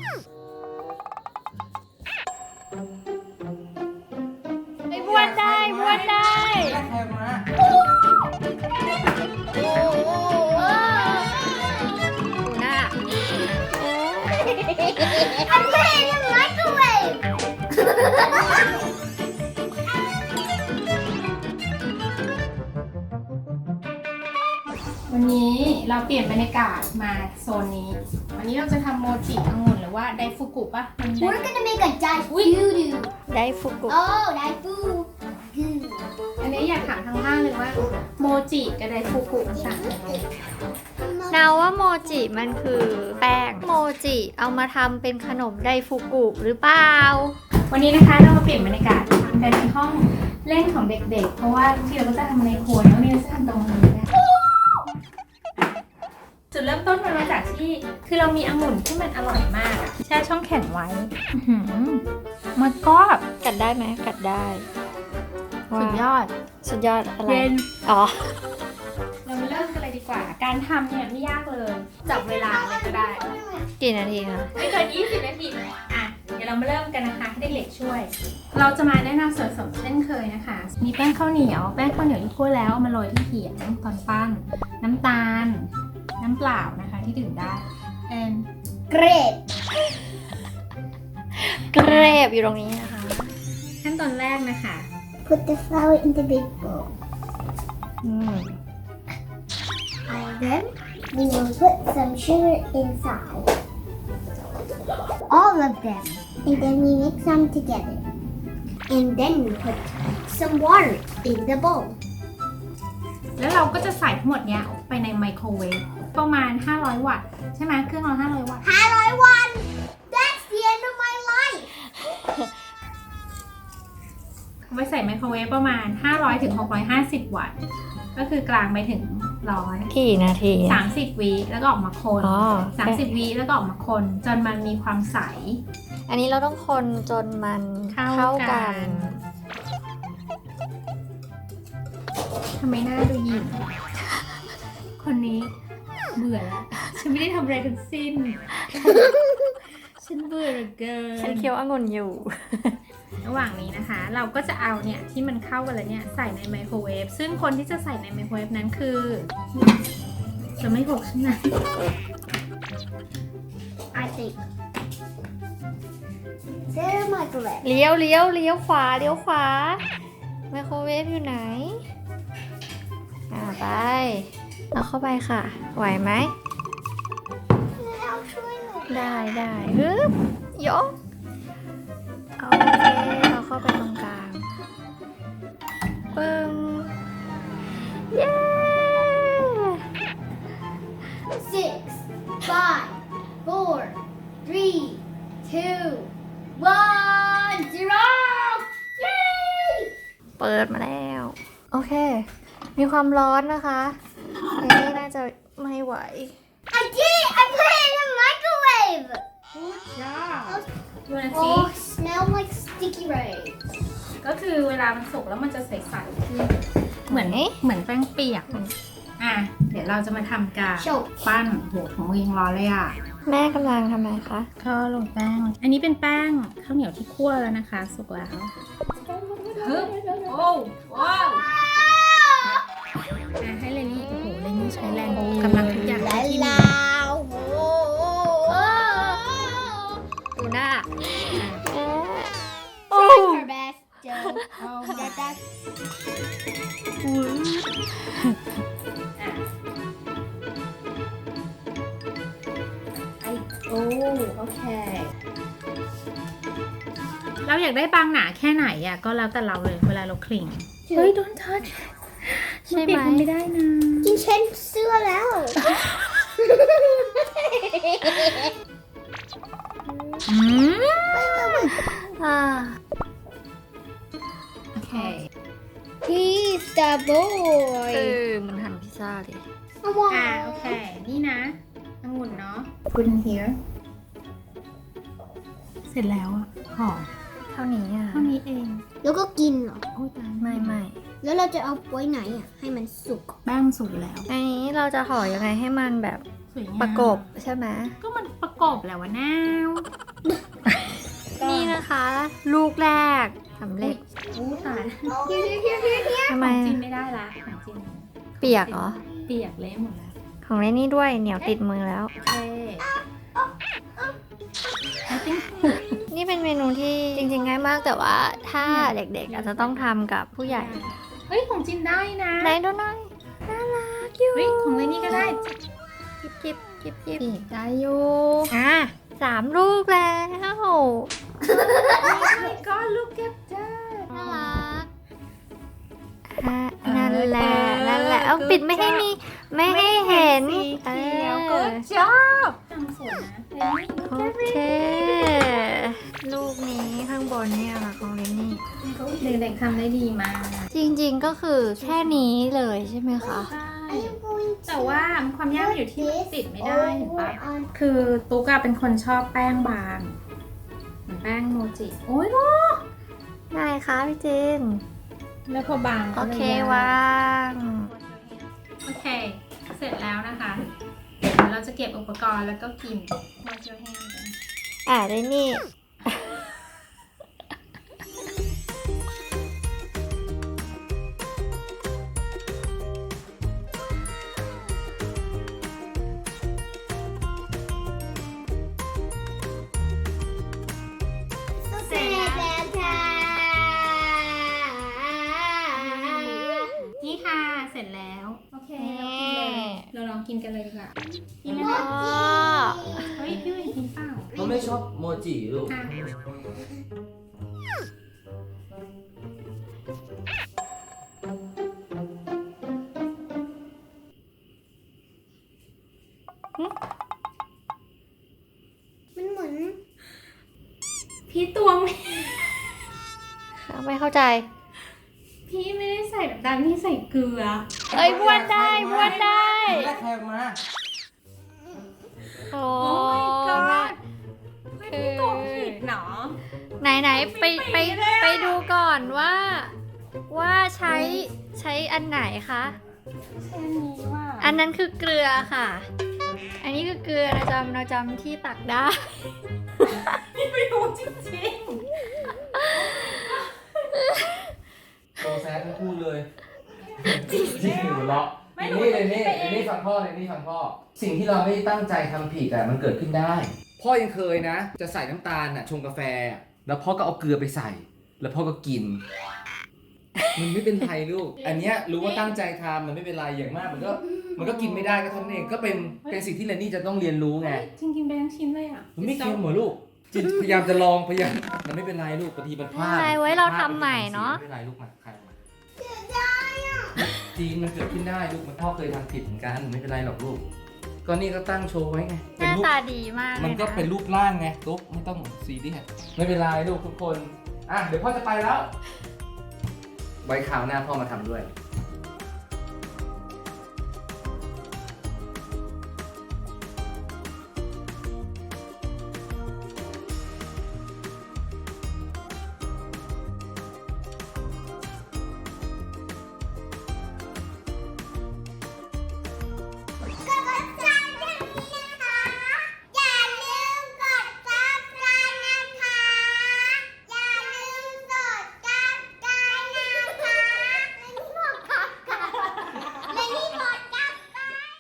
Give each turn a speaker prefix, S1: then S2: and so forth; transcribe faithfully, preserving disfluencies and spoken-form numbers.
S1: ไม่บ้วนได้บ้วนได้ดูหน้า
S2: I'm playing in the microwave.
S1: วันนี้เราเปลี่ยนบรรยากาศมาโซนนี้วันนี้เราจะทำโมจิองุ่นหรือว่าไดฟุกุปะ
S2: We're gonna make a daifuku.
S1: ไดฟุกุ
S2: Oh, daifuku.
S1: อันนี้อยากถามทางบ้านเลยว่าโมจิกับไดฟุกุต่างกันยังไง
S3: นาว่าโมจิมันคือแป้งโมจิเอามาทำเป็นขนมไดฟุกุหรือเปล่า
S1: วันนี้นะคะเรามาเปลี่ยนบรรยากาศทำกันในห้องเล่นของเด็กๆเพราะว่าที่เราก็จะทำในครัวแล้วนี่เราจะทำตรงนี้นะจุดเริ่มต้นมันมาจากที่คือเรามีองุ่นที่มันอร่อยมากอะแช่ช่องแข็งไว้มันก็
S3: กัดได้ไหมกัดได้
S1: สุดยอด
S3: สุดยอดอะไร
S1: เย็น
S3: อ๋อ
S1: เรามาเริ่มกันเลยดีกว่า การทำเนี่ยไม่ยากเลยจับเวลาเลยก็ได้
S3: กี่นาทีคะ
S1: ไม่เกินยี่สิบนาทีอ่ะเดี๋ยวเรามาเริ่มกันนะคะให้เด็กๆช่วย เราจะมาแนะนำส่วนผสมเช่นเคยนะคะ มีแป้งข้าวเหนียวแป้งข้าวเหนียวที่คั่วแล้วมาโรยที่เขียงตอนปั้นน้ำตาลน้ำเปล่านะคะที่ดื่มได้ and
S2: Great.
S3: เกรบอยู่ตรงนี้นะคะ
S1: ขั้นตอนแรกนะคะ
S2: Put the flour in the big bowl.
S3: อืม
S2: And then we will put some sugar inside. All of them. And then we mix them together. And then we put some water in the bowl.
S1: แล้วเราก็จะใส่ทั้งหมดเนี้ยไปในไมโครเวฟประมาณห้าร้อยวัตต์ใช่ไหมเครื่องเราห้าร้อยวัตต์
S2: one. That's the end of my life.
S1: เอาไปใส่ไมโครเวฟประมาณห้าร้อยถึงหกร้อยห้าสิบวัตต์ก็คือกลางไปถึงร้อย
S3: กี่นาที
S1: สามสิบวิแล้วก็ออกมาคน
S3: อ๋อ
S1: สามสิบวิแล้วก็ออกมาคนจนมันมีความใส
S3: อันนี้เราต้องคนจนมัน
S1: เข้า
S3: เข้า
S1: กั
S3: กัน น
S1: ทำไมหน้าดูหยิ่งคนนี้เบื่อแล้วฉันไม่ได้ทำอะไรทั้งสิ้น ฉันเบื่อเหลือเกิน
S3: ฉันเคี้ยวองุ่นอยู่
S1: ระหว่างนี้นะคะ เราก็จะเอาเนี่ยที่มันเข้ากันแล้วเนี่ยใส่ในไมโครเวฟซึ่งคนที่จะใส่ในไมโครเวฟนั้นคือจะไม่หกใช่ไหม
S2: I think. Set a microwave.
S3: เลี้ยวเลี้ยวเลี้ยวขวาเลี้ยวขวาไมโครเวฟอยู่ไหน อ่าไปเอาเข้าไปค่ะ ไหวไหม
S2: I'll try it.
S3: ได้ได้ฮึบยกโอเคเอาเข้าไปตรงกลางปึ้งเย้
S2: Six, five, four, three, two, one, zero. Yay!
S3: เปิดมาแล้ว โอเค มีความร้อนนะคะอันนี้น่าจะไม่ไหว
S2: I did it! I put it in the microwave.
S1: Good job ดูนะสิ
S2: Oh, smell like sticky rice.
S1: ก็คือเวลามันสุกแล้วมันจะใสๆขึ้นเหมือน
S3: ไหน
S1: เหมือนแป้งเปียกอ่ะเดี๋ยวเราจะมาทำการ
S2: Show.
S1: ปั้นโหของวิงร้อนเลยอ่ะ
S3: แม่กำลังทำไมคะ
S1: ก็ลงแป้ง อันนี้เป็นแป้งข้าวเหนียวที่คั่วแล้วนะคะ สุกแล้วฮึบโอ้ว้าวอ่ะให้เลนี่โอ้โหเลนี่ใช้แรงกำลังทุกอย่างที่มี
S3: ดูหน้า
S2: Trying her best, Joe.
S1: Oh
S2: That, that's
S1: ไอโอ้โอเค เราอยากได้บางหนาแค่ไหนอ่ะก็แล้วแต่เราเลยเวลาเราคลิงเฮ้ย don't touch
S3: ใช่ไหม
S1: นปิดมันไม่ได้นะ
S2: กินเช่นเสื้อแล้ว
S1: อืม
S3: อ่า
S1: โอเค
S2: He's the boy.
S3: เออมันหั่นพิซซ่าเลย
S1: อ่าโอเค นี่นะองุ่นเนาะ put in here เสร็จแล้วอ่ะหอม
S3: เท่านี้อ่ะ
S1: เท่านี้เอง
S2: แล้วก็กินเหรอ
S1: โอ้ยตาย
S3: ไม่ไม่
S2: แล้วเราจะเอาไว้ไหนอ่ะ ให้มันสุก
S1: แป้งมันสุกแล้ว
S3: อันนี้เราจะห่อยังไงให้มันแบบ
S1: สวยงาม
S3: ประกบใช่ไหม
S1: ก็มันประกบแล้ววะนาว
S3: นี่นะคะ ลูกแรกสำเร็จ
S1: อู้ตาย
S2: Here, here, here, here, here.
S3: ทำไม
S1: ของจิน
S3: อะ
S1: ไม่ได้ละของจิน
S3: เปียกเหรอ
S1: เปียกเละหมดแล้ว
S3: ของเล่นนี่ด้วยเหนียวติดมือแล้ว
S1: โอเค I think
S3: นี่เป็นเมนูที่จริงๆง่ายมากแต่ว่าถ้าเด็กๆอาจจะต้องทำกับผู้ใหญ่
S1: เฮ้ยของจินได้นะ
S3: ไหนดูหน่อยน่ารักอยู่
S1: เฮ้ยของเลนี่ก็ได้
S3: จิบจิบจิบจิบ
S1: จีบได้อยู่
S3: อ่ะสามลูกแล้ว
S1: ก็ look at that
S3: น่ารักอ่ะนั่นแหละนั่นแหละเอาปิดไม่ให้มีไม่ให้เห็น
S1: สีเขียว
S3: เอ
S1: good
S3: อ
S1: job ทำสวยนะเลนี่
S3: โอเค ลูกนี้ข้างบนเนี่ยค่ะของเลนนี่
S1: เด็กๆทำได้ดีมาก
S3: จริงๆก็คือแค่นี้เลยใช่ไหมคะ
S1: ใช่
S2: Are you going to
S1: แต่ว่าความยากมันอยู่ที่มันติดไม่ได้เห็นปะ
S2: over on
S1: คือตุ๊กอะเป็นคนชอบแป้งบางเหมือนแป้งโมจิ โอ้ยโล
S3: ได้ค่ะพี่จิน
S1: แล้วพอบาง
S3: โอ
S1: ก็ลย
S3: เค
S1: ยาก
S3: วาง
S1: โอเค เสร็จแล้วนะคะเดี๋ยวเราจะเก็บอุปกรณ์แล้วก็กิน Wash your hand กัน
S3: อ่ะได้นี่
S2: เสร็จแล้วค่ะ
S1: นี่ค่ะ เสร็จแล้ว โอเค เราลองกินเลย เราลองกินกันเลยดีกว่ากินไหม
S3: อ๋
S1: คะ
S3: อ
S1: เฮ้ย พี่วินกินเปล่า
S4: เขาไม่ชอบโมจิลูก
S1: อ่ะ
S2: มันเหมือน
S1: พี่ตวง
S3: ไม่เข้าใจ
S1: พี่ไม่ได้ใส่น้ำตาลพี่ใส่เกลือ
S3: เอ้ยบ้วนได้บ้วนได้
S4: แรกแขกมา
S3: โอ้
S1: โอ้ my god เฮ้ยพี่ตวงผิดเนาะ
S3: ไหนไหนๆไปไปไปดูก่อนว่า ว่าใช้ใช้อันไหนคะ
S1: แค่นี้ว่า
S3: อันนั้นคือเกลือค่ะ อันนี้คือเกลือเราจำเราจำที่ตักได้
S1: ไม่รู้จริง
S4: โตแซดทั้งคู่เลยจริงหัวเราะนี่เลยนี่เลยนี่ฟังพ่อเลยนี่ฟังพ่อ สิ่งที่เราไม่ได้ตั้งใจทำผิดอะมันเกิดขึ้นได้ พ่อยังเคยนะ จะใส่น้ำตาลอะชงกาแฟ แล้วพ่อก็เอาเกลือไปใส่ แล้วพ่อก็กิน มันไม่เป็นไรลูก อันเนี้ยรู้ว่าตั้งใจทำมันไม่เป็นไรอย่างมากมันก็มันก็กินไม่ได้ก็เท่านั้นเองก็เป็นเป็นสิ่งที่เรนนี่จะต้องเรียนรู้ไง
S1: จริงกินไปทั้งชิ้นเลยอ่ะ
S4: มันไม่เค็มเหรอลูกจิตพยายามจะลองพยายามมันไม่เป็นไรลูกบางทีมันพลาด
S3: ไม่เป็นไรไว้เราทำใหม่เนอะ
S4: ไม่เป็นไรลูกมาใครมาจีนมันเกิดขึ้นได้ลูกมันพ่อเคยทำผิดเหมือนกันไม่เป็นไรหรอกลูกก็นี่ก็ตั้งโชว์ไว้ไง
S3: ห
S4: เป็น
S3: น้า
S4: รูป
S3: ตาดีมากเลย
S4: มันก็
S3: นะ
S4: เป็นรูปร่างไงตุ๊กไม่ต้องซีเรียสไม่เป็นไรลูกทุกคนอ่ะเดี๋ยวพ่อจะไปแล้วไว้คราวหน้าพ่อมาทำด้วย